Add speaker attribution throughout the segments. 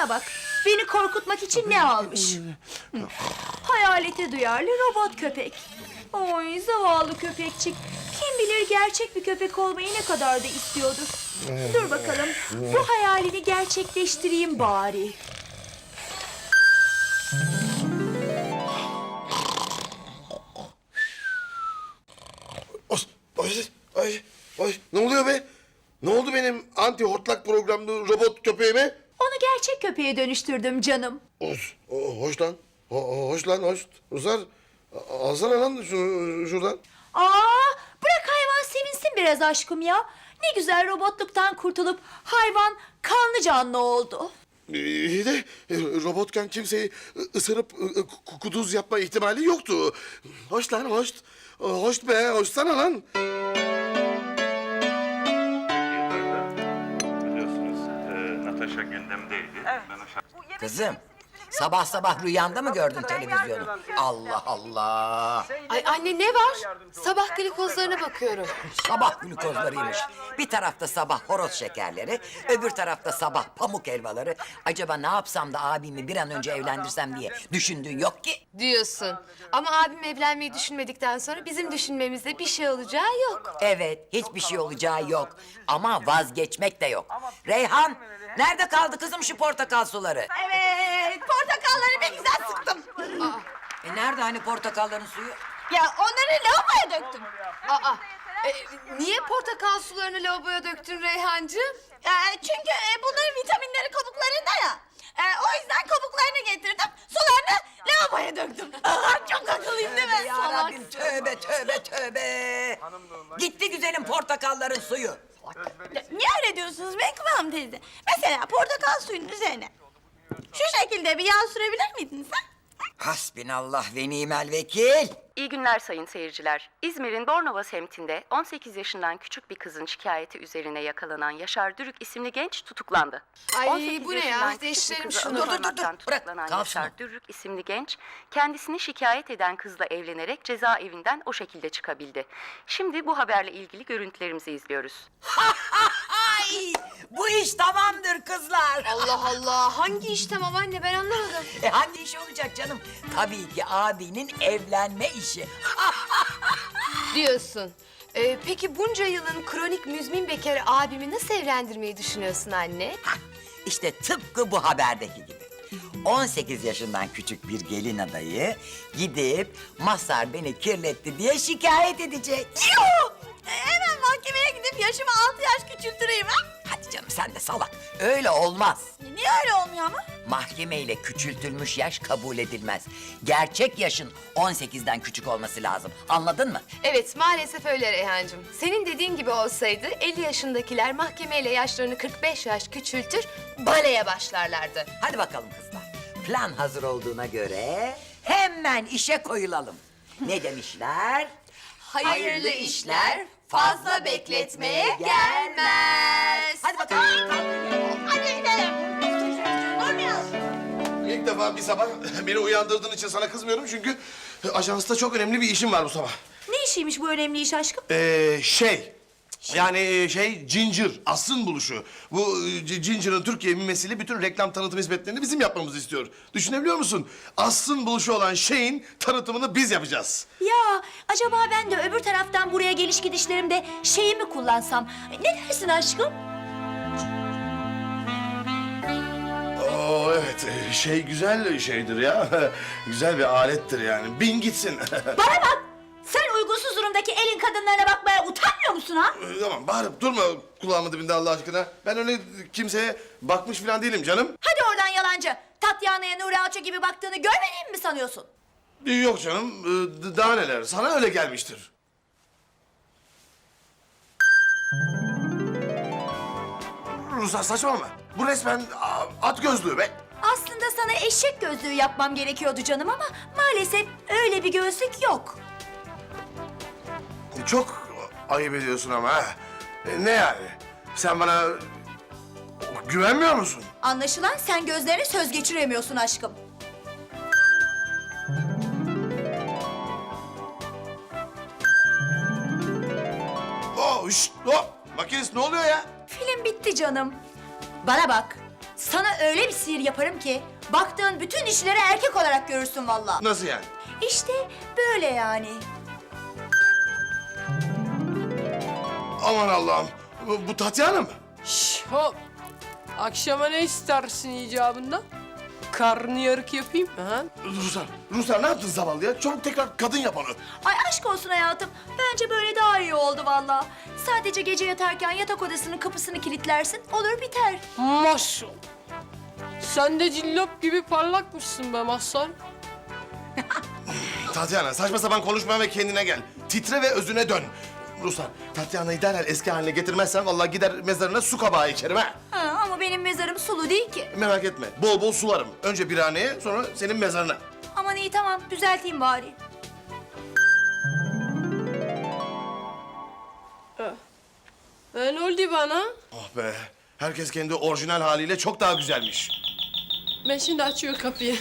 Speaker 1: Bana bak, beni korkutmak için ne almış? Hayalete duyarlı robot köpek. Oy zavallı köpekçik. Kim bilir gerçek bir köpek olmayı ne kadar da istiyordur. Dur bakalım, bu hayalini gerçekleştireyim bari.
Speaker 2: Ay, ne oluyor be? Ne oldu benim anti hortlak programlı robot köpeğime?
Speaker 1: Onu gerçek köpeğe dönüştürdüm canım.
Speaker 2: Hoş lan. Hoş lan, hoş. Ruslar, alsana lan şuradan.
Speaker 1: Bırak hayvan sevinsin biraz aşkım ya. Ne güzel robotluktan kurtulup hayvan kanlı canlı oldu.
Speaker 2: İyi de robotken kimseyi ısırıp kuduz yapma ihtimali yoktu. Hoş lan, hoş. Hoş be, hoşsana lan.
Speaker 3: Biliyorsunuz Natasha gündemdeydi. Evet.
Speaker 4: Kızım, sabah sabah rüyanda mı gördün televizyonu? Allah Allah!
Speaker 5: Ay anne ne var? Sabah glikozlarına bakıyorum.
Speaker 4: Sabah glukozlarıymış. Bir tarafta sabah horoz şekerleri, öbür tarafta sabah pamuk helvaları. Acaba ne yapsam da abimi bir an önce evlendirsem diye düşündüğün yok ki.
Speaker 5: Diyorsun. Ama abim evlenmeyi düşünmedikten sonra bizim düşünmemizde bir şey olacağı yok.
Speaker 4: Evet, hiçbir şey olacağı yok. Ama vazgeçmek de yok. Reyhan, nerede kaldı kızım şu portakal suları?
Speaker 1: Evet, portakalları bir güzel sıktım.
Speaker 4: Nerede hani portakalların suyu?
Speaker 1: Ya onları lavaboya döktüm.
Speaker 5: Niye portakal sularını lavaboya döktün Reyhancığım?
Speaker 1: Çünkü bunların vitaminleri kabuklarında ya. O yüzden kabuklarını getirdim, sularını lavaboya döktüm. Çok akıllıyım değil mi?
Speaker 4: Ya Rabbim, tövbe tövbe tövbe. Gitti güzelim portakalların suyu.
Speaker 1: Niye öyle diyorsunuz Menkıbe Hanım teyze? Mesela portakal suyunun üzerine şu şekilde bir yağ sürebilir miydiniz ha?
Speaker 4: Hasbinallah ve nimel vekil.
Speaker 6: İyi günler sayın seyirciler. İzmir'in Bornova semtinde 18 yaşından küçük bir kızın şikayeti üzerine yakalanan Yaşar Dürük isimli genç tutuklandı.
Speaker 5: Ay,
Speaker 6: 18
Speaker 5: bu ne ya?
Speaker 6: yaşından küçük bir
Speaker 5: Değiştirelim
Speaker 6: kızı
Speaker 5: şunu.
Speaker 4: Dur, dur, dur.
Speaker 6: aldatmaktan
Speaker 4: Bırak,
Speaker 6: tutuklanan
Speaker 4: kalsın
Speaker 6: Yaşar
Speaker 4: o.
Speaker 6: Dürük isimli genç kendisini şikayet eden kızla evlenerek cezaevinden o şekilde çıkabildi. Şimdi bu haberle ilgili görüntülerimizi izliyoruz.
Speaker 4: Ay, bu iş tamamdır kızlar.
Speaker 5: Allah Allah. Hangi iş tamam anne ben anlamadım.
Speaker 4: Hangi iş olacak canım? Tabii ki abinin evlenme işi.
Speaker 5: Diyorsun. Peki bunca yılın kronik müzmin bekarı abimi nasıl evlendirmeyi düşünüyorsun anne?
Speaker 4: İşte tıpkı bu haberdeki gibi. 18 yaşından küçük bir gelin adayı gidip Mazhar beni kirletti diye şikayet edecek.
Speaker 1: Yuh! Hemen mahkemeye gidip yaşımı 6 yaş küçültüreyim ha?
Speaker 4: Hadi canım sen de salak. Öyle olmaz.
Speaker 1: Niye öyle olmuyor ama?
Speaker 4: Mahkemeyle küçültülmüş yaş kabul edilmez. Gerçek yaşın 18'den küçük olması lazım. Anladın mı?
Speaker 5: Evet maalesef öyle Reyhancığım. Senin dediğin gibi olsaydı 50 yaşındakiler mahkemeyle yaşlarını 45 yaş küçültür, baleye başlarlardı.
Speaker 4: Hadi bakalım kızlar. Plan hazır olduğuna göre hemen işe koyulalım. Ne demişler?
Speaker 5: Hayırlı işler fazla bekletmeye gelmez.
Speaker 4: Hadi bakalım.
Speaker 1: Hadi gidelim. Durmuyoruz.
Speaker 2: İlk defa bir sabah beni uyandırdığın için sana kızmıyorum çünkü ajansta çok önemli bir işim var bu sabah.
Speaker 1: Ne işiymiş bu önemli iş aşkım?
Speaker 2: Ginger, Aslı'nın buluşu. Bu Ginger'ın Türkiye mimesiyle bütün reklam tanıtım hizmetlerini bizim yapmamızı istiyor. Düşünebiliyor musun? Aslı'nın buluşu olan şeyin tanıtımını biz yapacağız.
Speaker 1: Ya acaba ben de öbür taraftan buraya geliş gidişlerimde şeyi mi kullansam? Ne dersin aşkım?
Speaker 2: Evet, şey güzel şeydir ya. Güzel bir alettir yani. Bin gitsin.
Speaker 1: Bana bak! Sen uygunsuz durumdaki elin kadınlarına bakmaya utanmıyor musun ha?
Speaker 2: Tamam, bağırıp durma kulağımın dibinde Allah aşkına. Ben öyle kimseye bakmış falan değilim canım.
Speaker 1: Hadi oradan yalancı. Tatyana'ya Nuri Alço gibi baktığını görmediğimi mi sanıyorsun?
Speaker 2: Yok canım, daha neler. Sana öyle gelmiştir. Ruslar saçmalama. Bu resmen at gözlüğü be.
Speaker 1: Aslında sana eşek gözlüğü yapmam gerekiyordu canım ama maalesef öyle bir gözlük yok.
Speaker 2: Çok ayıp ediyorsun ama ha. Ne yani? Sen bana güvenmiyor musun?
Speaker 1: Anlaşılan sen gözlerine söz geçiremiyorsun aşkım.
Speaker 2: Hop! Makinist ne oluyor ya?
Speaker 1: Film bitti canım. Bana bak. Sana öyle bir sihir yaparım ki baktığın bütün dişileri erkek olarak görürsün vallahi.
Speaker 2: Nasıl yani?
Speaker 1: İşte böyle yani.
Speaker 2: Aman Allah'ım. Bu Tatyana mı?
Speaker 7: Şş, hop. Akşama ne istersin icabında? Karnıyarık yapayım mı ha?
Speaker 2: Ruslar ne yaptın zavallıya? Çabuk tekrar kadın yap onu.
Speaker 1: Ay aşk olsun hayatım. Bence böyle daha iyi oldu vallahi. Sadece gece yatarken yatak odasının kapısını kilitlersin. Olur biter.
Speaker 7: Maşallah. Sen de cillop gibi parlakmışsın be Mazhar.
Speaker 2: Tatyana saçma sapan konuşma ve kendine gel. Titre ve özüne dön. Ruslar, Tatyana'yı derhal eski haline getirmezsen vallahi gider mezarına su kabağı içerim ha.
Speaker 1: Ha, ama benim mezarım sulu değil ki.
Speaker 2: Merak etme, bol bol sularım. Önce birhaneye, sonra senin mezarına.
Speaker 1: Aman iyi tamam düzelteyim bari.
Speaker 7: Ne oldu bana?
Speaker 2: Oh be, herkes kendi orijinal haliyle çok daha güzelmiş.
Speaker 7: Ben şimdi açıyor kapıyı.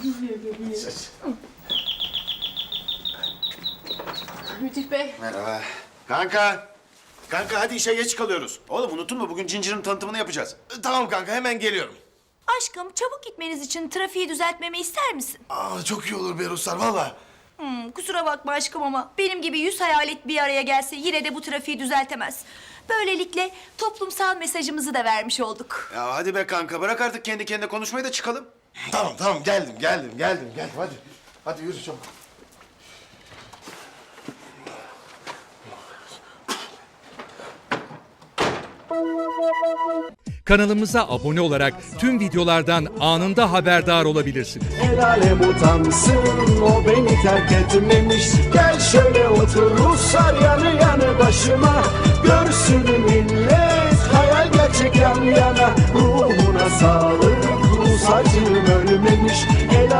Speaker 7: Müdür bey.
Speaker 8: Merhaba. Kanka hadi işe geç kalıyoruz. Oğlum unuttun mu bugün Ginger tanıtımını yapacağız.
Speaker 2: Tamam kanka, hemen geliyorum.
Speaker 1: Aşkım çabuk gitmeniz için trafiği düzeltmemi ister misin?
Speaker 2: Çok iyi olur be Ruslar, vallahi.
Speaker 1: Kusura bakma aşkım ama benim gibi 100 hayalet bir araya gelse yine de bu trafiği düzeltemez. Böylelikle toplumsal mesajımızı da vermiş olduk.
Speaker 8: Ya hadi be kanka bırak artık kendi kendine konuşmayı da çıkalım.
Speaker 2: Tamam, geldim, hadi. Hadi yürü çabuk.
Speaker 9: Kanalımıza abone olarak tüm videolardan anında haberdar olabilirsiniz.
Speaker 10: El alem utansın, o beni terk etmemiş. Gel şöyle otur Ruslar yanı yanı başıma. Görsün millet hayal gerçek yan yana. Ruhuna sağlık, Rus acım ölmemiş.